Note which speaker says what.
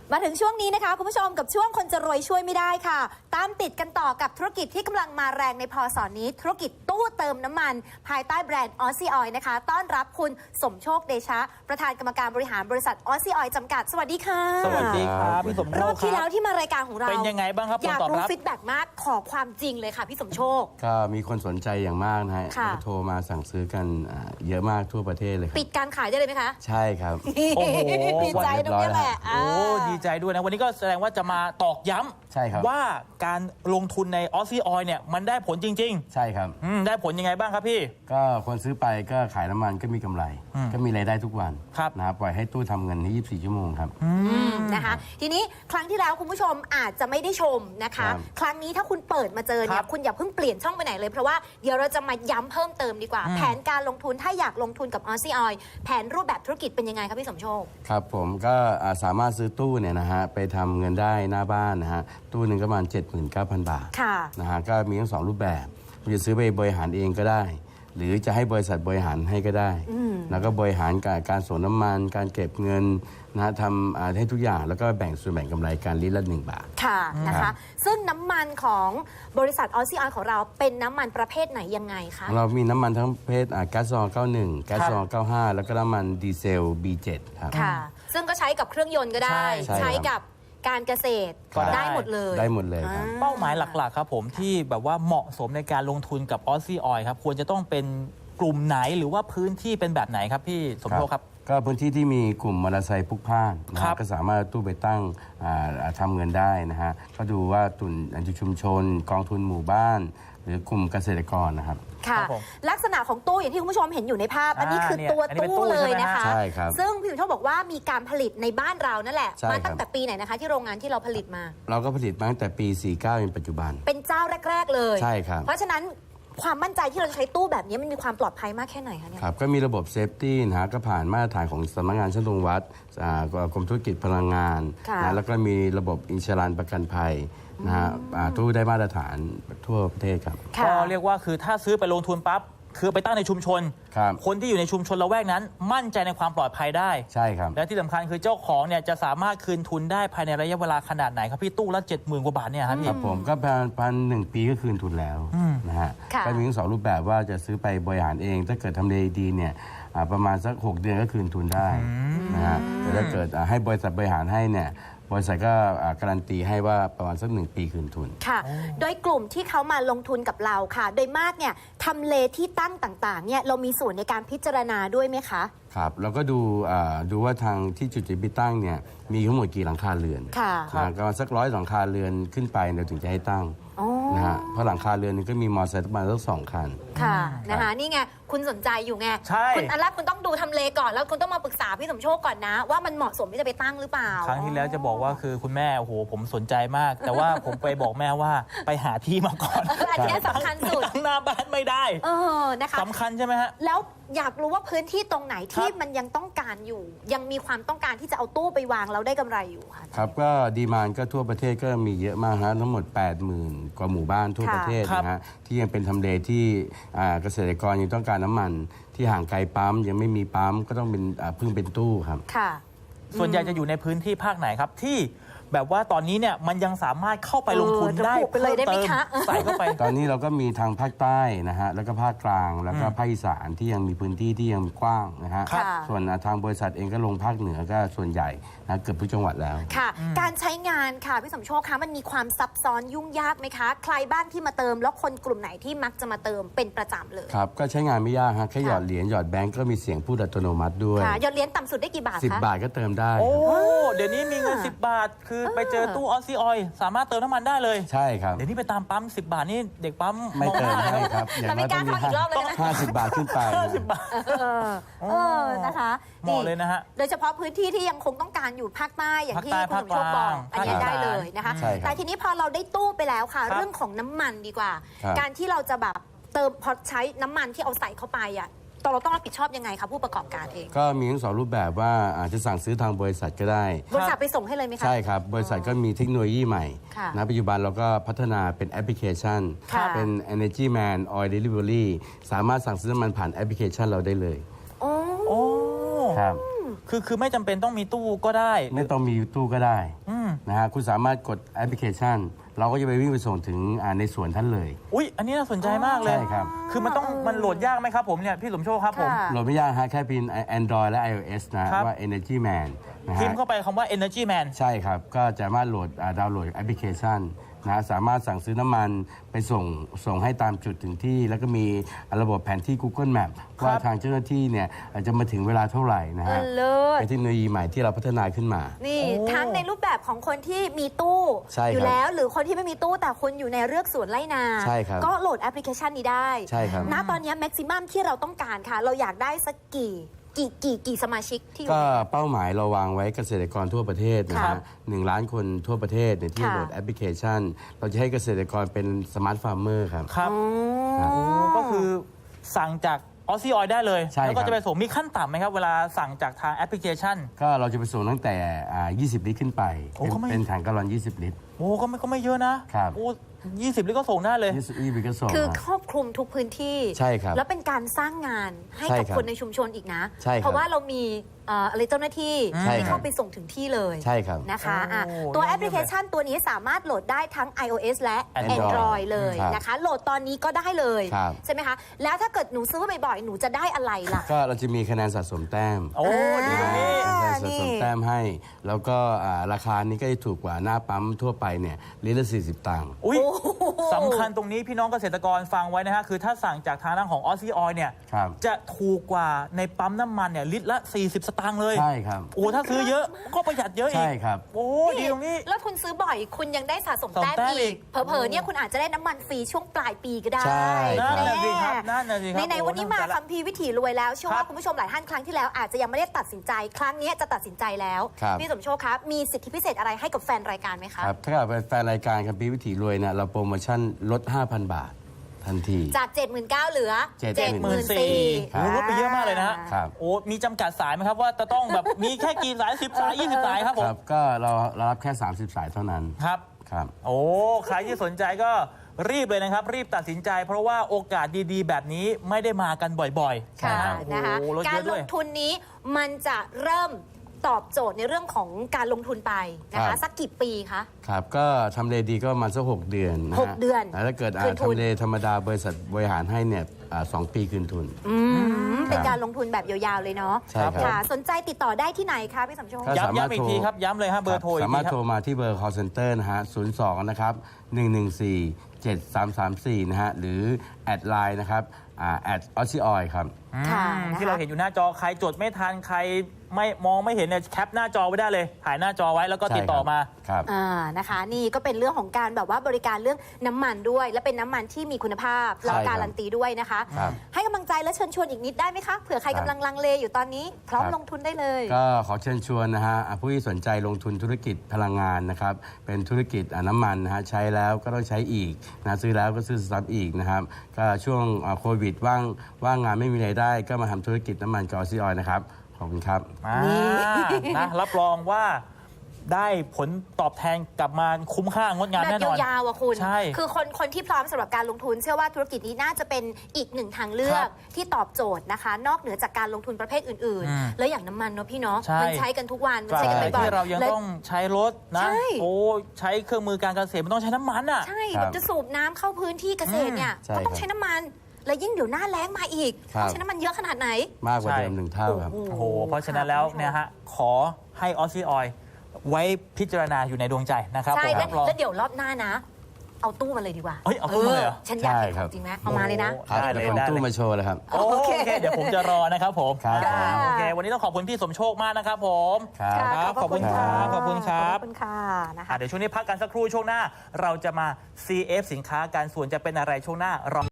Speaker 1: มาถึงช่วงนี้นะคะคุณผู้ชมกับช่วงคนจะรวยช่วยไม่ได้ค่ะ ตามติดกันต่อกับธุรกิจที่กำลังมาแรงในพศนี้ธุรกิจตู้เติมน้ำมันภายใต้แบรนด์ออซี่ออยล์นะคะต้อนรับคุณสมโชคเดชะประธานกรรมการบริหารบริษัทออซี่ออยล์จำกัดสวัสดีค่ะ
Speaker 2: สวัสดีครับพี่สมโชค
Speaker 1: รอบที่แล้วที่มารายการของเรา
Speaker 2: เป็นยังไงบ้างครับ
Speaker 1: อยาก
Speaker 2: ผลตอบ
Speaker 1: รู้
Speaker 2: รับ
Speaker 1: ฟีดแบ็กมากขอความจริงเลยค่ะพี่สมโชค
Speaker 3: ก็มีคนสนใจอย่างมากนะฮะ
Speaker 1: ค่ะ
Speaker 3: โทรมาสั่งซื้อกันเยอะมากทั่วประเทศเลยครับ
Speaker 1: ปิดการขายได้เลยไหมคะ
Speaker 3: ใช่ครับ
Speaker 2: โอ้โห
Speaker 1: ดีใจตรงนี้แหละ
Speaker 2: โอ้ดีใจด้วยนะวันนี้ก็แสดงว่าจะมาตอกย้ำ
Speaker 3: ใช่ครับ
Speaker 2: ว่าการลงทุนในออซี่ออยล์เนี่ยมันได้ผลจริง
Speaker 3: ใช่ครับ
Speaker 2: ๆได้ผลยังไงบ้างครับพี่
Speaker 3: ก็คนซื้อไปก็ขายน้ำมันก็มีกำไร ก็มีรายได้ทุกวัน
Speaker 2: ครับ
Speaker 3: นะครับปล่อยให้ตู้ทำเงินให้24 ชั่วโมงครับ
Speaker 1: นะคะทีนี้ครั้งที่แล้วคุณผู้ชมอาจจะไม่ได้ชมนะคะ
Speaker 3: ครับ
Speaker 1: ครั้งนี้ถ้าคุณเปิดมาเจอ
Speaker 2: ค
Speaker 1: เนี่
Speaker 2: รั
Speaker 1: ย
Speaker 2: บ
Speaker 1: คุณอย่าเพิ่งเปลี่ยนช่องไปไหนเลยเพราะว่าเดี๋ยวเราจะมาย้ำเพิ่มเติมดีกว่า แผนการลงทุนถ้าอยากลงทุนกับออซี่ออยล์แผนรูปแบบธุรกิจเป็นยังไงครับพี่สมโชค
Speaker 3: ครับผมก็สามารถซื้อตู้เนี่ยนะฮะไปทำเงินได้หน้าบ้านนะฮะตู้หนึ่งก็ประมาณ 79,000 บาท
Speaker 1: ค่ะ
Speaker 3: นะฮะก็มีทั้งสองรูปแบบคุณจะซื้อไปบริหารเองก็ได้ หรือจะให้บริษัทบริหารให้ก็ได้ แล้วก็บริหารการส่งน้ำมัน การเก็บเงินนะฮะทำให้ทุกอย่างแล้วก็แบ่งส่วนแบ่งกำไรการลิตรละ1 บาท
Speaker 1: ค่ะนะคะ ซึ่งน้ำมันของบริษัทออซี่ออยล์ของเราเป็นน้ำมันประเภทไหนยังไงคะ
Speaker 3: เรามีน้ำมันทั้งประเภทแก๊สซอ91 แก๊สซอ95 แล้วก็น้ำมันดีเซล B7 ครับ
Speaker 1: ค่ะ ซึ่งก็ใช้กับเครื่องยนต์ก็ได้
Speaker 3: ใช่
Speaker 1: ใช้กับการเกษตร
Speaker 2: ก็ได้
Speaker 1: ได้หมดเลย
Speaker 3: ได้หมดเลยครับ
Speaker 2: เป้าหมายหลักๆครับผมที่แบบว่าเหมาะสมในการลงทุนกับออซี่ออยล์ครับควรจะต้องเป็นกลุ่มไหนหรือว่าพื้นที่เป็นแบบไหนครับพี่สมโชคครับ
Speaker 3: ก็พื้นที่ที่มีกลุ่มมอเตอร์ไซค์พลุกพล่านนะ
Speaker 2: ครั
Speaker 3: ฮะ
Speaker 2: บ
Speaker 3: ก็สามารถตู้ไปตั้งทำเงินได้นะฮะก็ดูว่าตุนชุมชน กองทุนหมู่บ้าน หรือกลุ่มเกษตรกรนะครับ
Speaker 1: ค่ะ
Speaker 2: ครับผม
Speaker 1: ลักษณะของตู้อย่างที่คุณผู้ชมเห็นอยู่ในภาพ อันนี้คือ
Speaker 2: เนี่ย
Speaker 1: ตัว
Speaker 2: อันนี้เป็น
Speaker 1: ตู้
Speaker 2: ตู้
Speaker 1: เลย
Speaker 2: ใช่ไหม
Speaker 1: นะคะ
Speaker 3: ใช่ครับ
Speaker 1: ซึ่งพี่สมโชคบอกว่ามีการผลิตในบ้านเรานั่นแหละ
Speaker 3: ใช่
Speaker 1: มา
Speaker 3: ครับ
Speaker 1: ตั้งแต่ปีไหนนะคะ ที่โรงงานที่เราผลิตมา
Speaker 3: เราก็ผลิตมาตั้งแต่ปี 49จนปัจจุบัน
Speaker 1: เป็นเจ้าแรก ๆ เลย
Speaker 3: ใช่ครับ
Speaker 1: เพราะฉะนั้นความมั่นใจที่เราจะใช้ตู้แบบนี้มันมีความปลอดภัยมากแค่ไหนคะเนี่ย
Speaker 3: ครับก็มีระบบเซฟตี้นะฮะก็ผ่านมาตรฐานของสำนักงานช่างตวงวัดกรมธุรกิจพลังงาน
Speaker 1: ค่ะ
Speaker 3: นะแล้วก็มีระบบอินชัวรันประกันภัยนะฮะตู้ได้มาตรฐานทั่วประเทศครับ
Speaker 1: ค่ะ
Speaker 2: ก็เรียกว่าคือถ้าซื้อไปลงทุนปั๊บคือไปตั้งในชุมชน
Speaker 3: ครับ
Speaker 2: คนที่อยู่ในชุมชนละแวกนั้น มั่นใจในความปลอดภัยได้
Speaker 3: ใช่ครับ
Speaker 2: และที่สำคัญคือเจ้าของเนี่ยจะสามารถคืนทุนได้ภายในระยะเวลาขนาดไหนครับพี่ตู้ละ 70,000 กว่าบาทเนี่ยครับ
Speaker 3: ค
Speaker 2: พี่
Speaker 3: รับผมก็พันหนึ่งปีก็คืนทุนแล้วนะฮะ
Speaker 1: ค่ะ
Speaker 3: ก็มีทั้งสองรูปแบบว่าจะซื้อไปบริหารเอง ถ้าเกิดทำเลดีเนี่ยประมาณสัก 6 เดือนก็คืนทุนได้นะฮะแต่ถ้าเกิดให้บริษัทบริหารให้เนี่ยบริษัทก็การันตีให้ว่าประมาณสัก1 ปีคืนทุน
Speaker 1: ค่ะ โดยกลุ่มที่เขามาลงทุนกับเราค่ะ โดยมากเนี่ยทำเลที่ตั้งต่างๆเนี่ยเรามีส่วนในการพิจารณาด้วยไหมคะ
Speaker 3: ครับแล้วก็ดูว่าทางที่จุดที่ไปตั้งเนี่ยมีทั้งหมดกี่หลังคาเรือน
Speaker 1: ค่ะ
Speaker 3: ก็สัก100หลังคาเรือนขึ้นไปเราถึงจะให้ตั้ง
Speaker 1: อ๋อ
Speaker 3: นะฮะเพราะหลังคาเรือนนึงก็มีมอเตอร์ไซค์ประมาณสัก2 คัน
Speaker 1: ค่ะนะคะ นี่ไงคุณสนใจอยู่ไง
Speaker 2: ใช่
Speaker 1: คุณอันแรกคุณต้องดูทำเลก่อนแล้วคุณต้องมาปรึกษาพี่สมโชคก่อนนะ ว่ามันเหมาะสมที่จะไปตั้งหรือเปล่า
Speaker 2: ครั้งที่แล้วจะบอกว่าคือคุณแม่โอ้โหผมสนใจมาก แต่ว่าผมไปบอกแม่ว่าไปหาที่มาก่อน
Speaker 1: อันนี้สำคัญสุด
Speaker 2: ตั้งหน้าบ้านไม่ได้
Speaker 1: นะคะ
Speaker 2: สำคัญใช่ไหมฮะ
Speaker 1: แล้วอยากรู้ว่าพื้นที่ตรงไหนที่
Speaker 2: ครับ
Speaker 1: มันยังต้องการอยู่ ยังมีความต้องการที่จะเอาตู้ไปวางแล้วได้กำไรอยู่ค่ะ
Speaker 3: ครับก็ดีมานก็ทั่วประเทศก็มีเยอะมากฮะทั้งหมด 80,000 กว่าหมู่บ้านทั่ว
Speaker 1: ค่ะ
Speaker 3: ประเทศ
Speaker 2: ครับ
Speaker 3: นะฮะที่ยังเป็นทำเลที่เกษตรกรยังต้องการน้ำมันที่ห่างไกลปั๊มยังไม่มีปั๊มก็ต้องเป็นพึ่งเป็นตู้ครับ
Speaker 1: ค่ะ
Speaker 2: ส่วนใหญ่จะอยู่ในพื้นที่ภาคไหนครับที่แบบว่าตอนนี้เนี่ยมันยังสามารถเข้าไปลงทุนได้
Speaker 1: ระบุไปเลยได้ไหมคะ
Speaker 2: ใส่เข้าไป
Speaker 3: ตอนนี้เราก็มีทางภาคใต้นะฮะแล้วก็ภาคกลางแล้วก็ภาคอีสานที่ยังมีพื้นที่ที่ยังกว้างนะฮะ
Speaker 1: ค่ะ
Speaker 3: ส่วนทางบริษัทเองก็ลงภาคเหนือก็ส่วนใหญ่นะเกือบทุกจังหวัดแล้ว
Speaker 1: ค่ะ การใช้งานค่ะพี่สมโชคคะมันมีความซับซ้อนยุ่งยากไหมคะ ใครบ้างที่มาเติมแล้วคนกลุ่มไหนที่มักจะมาเติมเป็นประจำเลย
Speaker 3: ครับก็ใช้งานไม่ยากฮะแค่หยอดเหรียญหยอดแบงก์ก็มีเสียงพูดอัตโนมัติด้วย
Speaker 1: ค่ะยอดเหรียญต่ำสุดได้กี่บาทคะ
Speaker 3: 10 บาทก็เติมได้
Speaker 2: โอ้เดี๋ยวนี้มีเงิน10 บาท คือไปเจอตู้ออซี่ออยล์สามารถเติมน้ำมันได้เลย
Speaker 3: ใช่ครับ
Speaker 2: เดี๋ยวนี้ไปตามปั๊ม10 บาทนี่เด็กปั๊ม
Speaker 3: ไม่เติม
Speaker 2: องหน้า
Speaker 3: ให้
Speaker 2: นะครับ
Speaker 3: อย่างน้อยต้องมี
Speaker 1: เราไม่กล้าเข้าอีกรอบเลยนะ
Speaker 3: 50 บาทขึ้นไป
Speaker 2: 10 บาท
Speaker 1: นะคะ
Speaker 2: เหมาะเลยนะฮะ
Speaker 1: โดยเฉพาะพื้นที่ที่ยังคงต้องการอยู่ภาคใต้อย่างที่
Speaker 2: ภาค
Speaker 1: คุณ
Speaker 2: ใต้
Speaker 1: สมโชคบอก
Speaker 2: ภาคกลาง
Speaker 1: อันนี้
Speaker 2: ภาคอีสาน
Speaker 1: ได้เลยนะคะ
Speaker 3: ใช่ครับ
Speaker 1: แต่ทีนี้พอเราได้ตู้ไปแล้วค่ะ
Speaker 2: ครับ
Speaker 1: เรื่องของน้ำมันดีกว่า
Speaker 3: ครับ
Speaker 1: การที่เราจะแบบเติมพอใช้น้ำมันที่เอาใส่เข้าไปอ่ะเราต้องรับผิดชอบยังไงคะผู้ประกอบการเอง
Speaker 3: ก็มีทั้งสองรูปแบบว่าอาจจะสั่งซื้อทางบริษัทก็ได้
Speaker 1: บริษัทไปส่งให้เลยไหมคะ
Speaker 3: ใช่ครับ บริษัทก็มีเทคโนโลยีใหม่
Speaker 1: ค่ะ
Speaker 3: นะปัจจุบันเราก็พัฒนาเป็นแอปพลิเคชัน
Speaker 1: ค่ะ
Speaker 3: เป็น Energy Man Oil Delivery สามารถสั่งซื้อน้ำมันผ่านแอปพลิเคชันเราได้เลย
Speaker 1: โอ้
Speaker 2: โอ้
Speaker 3: ครับ
Speaker 2: คือไม่จำเป็นต้องมีตู้ก็ได้
Speaker 3: ไม่ต้องมีตู้ก็ได้
Speaker 2: อืม
Speaker 3: นะฮะคุณสามารถกดแอปพลิเคชัน เราก็จะไปวิ่งไปส่งถึงในสวนท่านเลย
Speaker 2: อุ๊ยอันนี้น่าสนใจมากเลย
Speaker 3: ใช่ครับ
Speaker 2: คือมันโหลดยากไหมครับผมเนี่ยพี่สมโชคครับผม
Speaker 1: ค่ะ
Speaker 3: โหลดไม่ยากฮะแค่พิมพ์ Android และ iOS นะครับ ว่า Energy Man นะ
Speaker 2: พิม
Speaker 3: ฮะ
Speaker 2: พ์เข้าไปคำว่า Energy Man
Speaker 3: ใช่ครับ ก็จะสามารถดาวน์โหลดแอปพลิเคชันนะสามารถสั่งซื้อน้ำมันไปส่งให้ตามจุดถึงที่ แล้วก็มีระบบแผนที่ Google Map ว่าทางเจ้าหน้าที่เนี่ยจะมาถึงเวลาเท่าไหร่นะฮะ
Speaker 1: เลิศ
Speaker 3: เป็นเทคโนโลยีใหม่ที่เราพัฒนาขึ้นมา
Speaker 1: นี่
Speaker 2: โอ้
Speaker 1: ทั้งในรูปแบบของคนที่มีตู้
Speaker 3: ใช่ครับ
Speaker 1: อยู่แล้ว หรือคนที่ไม่มีตู้แต่คนอยู่ในเรือกสวนไร่นา
Speaker 3: ใช่ครับ
Speaker 1: ก็โหลดแอปพลิเคชันนี้ได้
Speaker 3: ใช่ครับ
Speaker 1: ณตอนนี้แม็กซิมัมที่เราต้องการค่ะ เราอยากได้สักกี่สมาชิกที่อยู่
Speaker 3: ก็
Speaker 1: ใน
Speaker 3: เป้าหมายเราวางไว้เกษตรกรทั่วประเทศนะ
Speaker 1: ค่ะ
Speaker 3: ฮะ1 ล้านคนทั่วประเทศเนี่ยที่
Speaker 1: ค่ะ
Speaker 3: โหลดแอปพลิเคชัน เราจะให้เกษตรกรเป็นสมาร์ทฟาร์มเมอร์ครับ
Speaker 2: ครับ
Speaker 1: อ๋อ
Speaker 2: ก็คือสั่งจากออซี่ออยได้เลย
Speaker 3: ใช่
Speaker 2: แล้วก็
Speaker 3: ครับ
Speaker 2: จะไปส่งมีขั้นต่ำไหมครับ เวลาสั่งจากทางแอปพลิเคชัน
Speaker 3: ก็เราจะไปส่งตั้งแต่20 ลิตรขึ้นไป
Speaker 2: โอ้ก็ไม่
Speaker 3: เป็นถังแกลลอน 20 ลิตร
Speaker 2: โอ้ก็ไม่เยอะนะครับ โอ้20 ลิตรก็ส่งได้เลย
Speaker 3: 20 ลิตรก็ส่ง
Speaker 1: คือ
Speaker 3: ฮะ
Speaker 1: ครอบคลุมทุกพื้นที่
Speaker 3: ใช่ครับ
Speaker 1: แล้วเป็นการสร้างงานให้
Speaker 3: ใช่
Speaker 1: กับ
Speaker 3: ครับ
Speaker 1: คนในชุมชนอีกนะ
Speaker 3: ใช่ครับ
Speaker 1: เพราะว่าเรามีอะไรเจ้าหน้าที่
Speaker 3: ใช่
Speaker 1: ที่
Speaker 3: ครับ
Speaker 1: เข้าไปส่งถึงที่เลย
Speaker 3: ใช่ครับ
Speaker 1: นะคะอ่ะ
Speaker 2: โอ้
Speaker 1: ตัว
Speaker 2: เยี่ยม
Speaker 1: แอปพลิเคชันตัวนี้สามารถโหลดได้ทั้ง iOS และ
Speaker 2: Android
Speaker 1: Android เลย
Speaker 3: ครับ
Speaker 1: นะคะ โหลดตอนนี้ก็ได้เลย
Speaker 3: ครับ
Speaker 1: ใช่ไหมคะ แล้วถ้าเกิดหนูซื้อบ่อยๆ หนูจะได้อะไรล่ะ
Speaker 3: ก็เราจะมีคะแนนสะสมแต้ม
Speaker 2: โอ้ดีตรงนี้
Speaker 3: คะแนนสะสมแต้มให้ แล้วก็ราคานี้ก็จะถูกกว่าหน้าปั๊มทั่วไปเนี่ยลิตรละ40 ตังค์
Speaker 2: อุ้ยสำคัญตรงนี้พี่น้องเกษตรกรฟังไว้นะฮะ คือถ้าสั่งจากทางด้านของออซี่ออยเนี่ย
Speaker 3: ครับ
Speaker 2: จะถูกกว่าในปั๊มน้ำมันเนี่ยลิตรละ 40 สตางค์เลย
Speaker 3: ใช่ครับ
Speaker 2: โอ้ถ้าซื้อเยอะก็ประหยัดเยอะอีก
Speaker 3: ใช่ครับ
Speaker 2: โอ้ดีตรงนี้
Speaker 1: แล้วคุณซื้อบ่อยคุณยังได้สะสม
Speaker 2: สะสม
Speaker 1: แต้ม
Speaker 2: แต้มอี
Speaker 1: อี
Speaker 2: ก
Speaker 1: ก เผลอๆเนี่ยคุณอาจจะได้น้ำมันฟรีช่วงปลายปีก็ได้
Speaker 3: ใช่
Speaker 2: นั่น
Speaker 3: ครับ
Speaker 2: น่ะสิครับนั่นน่ะสิครับ
Speaker 1: ใน
Speaker 2: โอ้
Speaker 1: วันนี้มา
Speaker 2: น่าสนใจละ
Speaker 1: คัมภีร์วิถีรวยแล้วเชื่อ
Speaker 2: ครั
Speaker 1: ว่า
Speaker 2: บ
Speaker 1: คุณผู้ชมหลายท่านครั้งที่แล้วอาจจะยังไม่ได้ตัดสินใจ ครั้งนี้จะตัดสินใจแล้ว
Speaker 3: ครับ
Speaker 1: พี่สมโชคครับมีสิทธิพิเศษอะไรให้กับแฟนรายการไหมคะ
Speaker 3: ครับถ้าเกิดเป็นแฟนรายการคัมภีร์วิถีรวยเนี่ยเราโปรโมชั่นลด 5,000 บาททันที
Speaker 1: จาก 79,000เหลือ
Speaker 3: 74,000
Speaker 2: โอ้ลดไปเยอะมากเลยนะฮะ
Speaker 3: ครับ
Speaker 2: โอ้มีจำกัดสายไหมครับว่าจะต้องแบบ มีแค่กี่สาย10 สาย 20 สายครับผ
Speaker 3: ค
Speaker 2: ม
Speaker 3: รับก็เรารับแค่ 30 สายเท่านั้น
Speaker 2: ครับ
Speaker 3: ครับ
Speaker 2: โอ้ ใครที่สนใจก็รีบเลยนะครับ รีบตัดสินใจ เพราะว่าโอกาสดีๆ แบบนี้ไม่ได้มากันบ่อยๆ
Speaker 1: ค่ะ
Speaker 2: นะ
Speaker 1: นะคะ
Speaker 2: โอ้ลด
Speaker 1: กา
Speaker 2: เย
Speaker 1: ร
Speaker 2: อะ
Speaker 1: ล
Speaker 2: ด้วย
Speaker 1: งทุนนี้มันจะเริ่มตอบโจทย์ในเรื่องของการลงทุนไปนะ
Speaker 3: ครั
Speaker 1: คะ
Speaker 3: บ
Speaker 1: สักกี่ปีคะ
Speaker 3: ครับก็ทำเลดีก็ประมาณสัก6 เดือนนะฮะ
Speaker 1: 6 เดือน
Speaker 3: แล้วถ้าเกิด
Speaker 1: คืนทุน
Speaker 3: ทำเลธรรมดาบริษัทบริหารให้เนี่ย2 ปีคืนทุน
Speaker 1: เป็นการลงทุนแบบยาวๆเลยเนาะ
Speaker 3: ใช่ครับ
Speaker 1: ค่ะ สนใจติดต่อได้ที่ไหนคะพี่สมโชค
Speaker 3: ก็ สามารถ
Speaker 2: ย้ำอีก
Speaker 3: โทร
Speaker 2: ทีครับ ย้ำเลยฮะเบอร์โทรอีก
Speaker 3: สา
Speaker 2: ที
Speaker 3: มารถ
Speaker 2: ครั
Speaker 3: โทร
Speaker 2: บ
Speaker 3: มาที่เบอร์ call center นะฮะ 02 นะครับ 114 7334 นะฮะ หรือแอดไลน์นะครับแอดออซี่ออยครับ
Speaker 1: ค่ะ
Speaker 2: ที่เราเห็นอยู่หน้าจอใครจดไม่ทันใครไม่มองไม่เห็นเนี่ยแคปหน้าจอไว้ได้เลย ถ่ายหน้าจอไว้แล้วก็ติดต่อมา
Speaker 3: ครับ
Speaker 1: นะคะ นี่ก็เป็นเรื่องของการแบบว่าบริการเรื่องน้ำมันด้วย และเป็นน้ำมันที่มีคุณภาพแล้ว
Speaker 3: ใช่ครับ
Speaker 1: การันตีด้วยนะคะ
Speaker 3: ครับ
Speaker 1: ให้กำลังใจและเชิญชวนอีกนิดได้ไหมคะเผื่อใคร
Speaker 3: ครั
Speaker 1: กำ
Speaker 3: บ
Speaker 1: ลังลังเลอยู่ตอนนี้ พร้อม
Speaker 3: ครับ
Speaker 1: ลงทุนได้เลย
Speaker 3: ก็ขอเชิญชวนนะฮะผู้ที่สนใจลงทุนธุรกิจพลังงานนะครับ เป็นธุรกิจน้ำมันนะฮะใช้แล้วก็ต้องใช้อีกนะซื้อแล้วก็ซื้อซ้ำอีกนะครับ ก็ช่วงโควิดว่างงานไม่มีรายได้ ก็มาทำธุรกิจน้ำมันกับออซี่ออยล์นะครับ ขอบคุณครับ
Speaker 2: นะรับรองว่าได้ผลตอบแทนกลับมาคุ้มค่างดงาม
Speaker 1: แบ
Speaker 2: แน่
Speaker 1: บ
Speaker 2: นอน
Speaker 1: ยาวๆอะคุณ
Speaker 2: ใช่
Speaker 1: คือคนที่พร้อมสำหรับการลงทุน เชื่อว่าธุรกิจนี้น่าจะเป็นอีกหนึ่งทางเลือ
Speaker 2: ครั
Speaker 1: ก
Speaker 2: บ
Speaker 1: ที่ตอบโจทย์นะคะ นอกเหนือจากการลงทุนประเภทอื่น
Speaker 2: อืม
Speaker 1: ๆ แล้วอย่างน้ำมันเนาะพี่เนาะ
Speaker 2: ใช่
Speaker 1: มันใช้กันทุกวัน มัน
Speaker 2: ใช่
Speaker 1: ใช้กันบ่อย
Speaker 2: ที่เรายัง
Speaker 1: และ
Speaker 2: ต้องใช้รถนะ
Speaker 1: ใช่
Speaker 2: โอ้ใช้เครื่องมือการเกษตรมันต้องใช้น้ำมันอ่ะ
Speaker 1: ใช่
Speaker 3: ครับ
Speaker 1: แบบจะสูบน้ำเข้าพื้นที่เกษตรเนี่ย
Speaker 3: ใช่
Speaker 1: ก็ต้อง
Speaker 3: ครับ
Speaker 1: ใช้น้ำมัน และยิ่งเดี๋ยวหน้าแล้งมาอีก
Speaker 3: ครับ
Speaker 1: ต้องใช้น้ำมันเยอะขนาดไหน
Speaker 3: มากกว่า
Speaker 2: ใช่
Speaker 3: เดิม1 เท่าครับ
Speaker 2: โอ้โห เพราะฉะนั้นแล้วเนี่ยฮะ ขอให้ออซี่ออยไว้พิจารณาอยู่ในดวงใจนะครับ
Speaker 1: ใช่
Speaker 2: ผม
Speaker 1: แล้ว
Speaker 2: รับรอง
Speaker 1: แล้วเดี๋ยวรอบหน้านะ เอาตู้มาเลยดีกว่า
Speaker 2: เฮ้ยเอาตู้มาเลยเหรอ
Speaker 1: ฉันอยากเห็น
Speaker 3: ใช่ครับ
Speaker 1: ของจริงไหมเอามาเลยนะ
Speaker 2: โอ้ ได้เลย
Speaker 3: ผม
Speaker 2: ได้เลย
Speaker 3: ตู้มาโชว์เลยครับ
Speaker 2: โอเค เดี๋ยวผมจะรอนะครับผม
Speaker 3: ครับ
Speaker 2: โอเค วันนี้ต้องขอบคุณพี่สมโชคมากนะครับผม
Speaker 3: ครับ
Speaker 2: ครับขอบคุณครับขอบคุณครับ
Speaker 1: ขอบคุณค่ะนะคะ
Speaker 2: เดี๋ยวช่วงนี้พักกันสักครู่ช่วงหน้า เราจะมา CF สินค้ากันส่วนจะเป็นอะไรช่วงหน้ารอ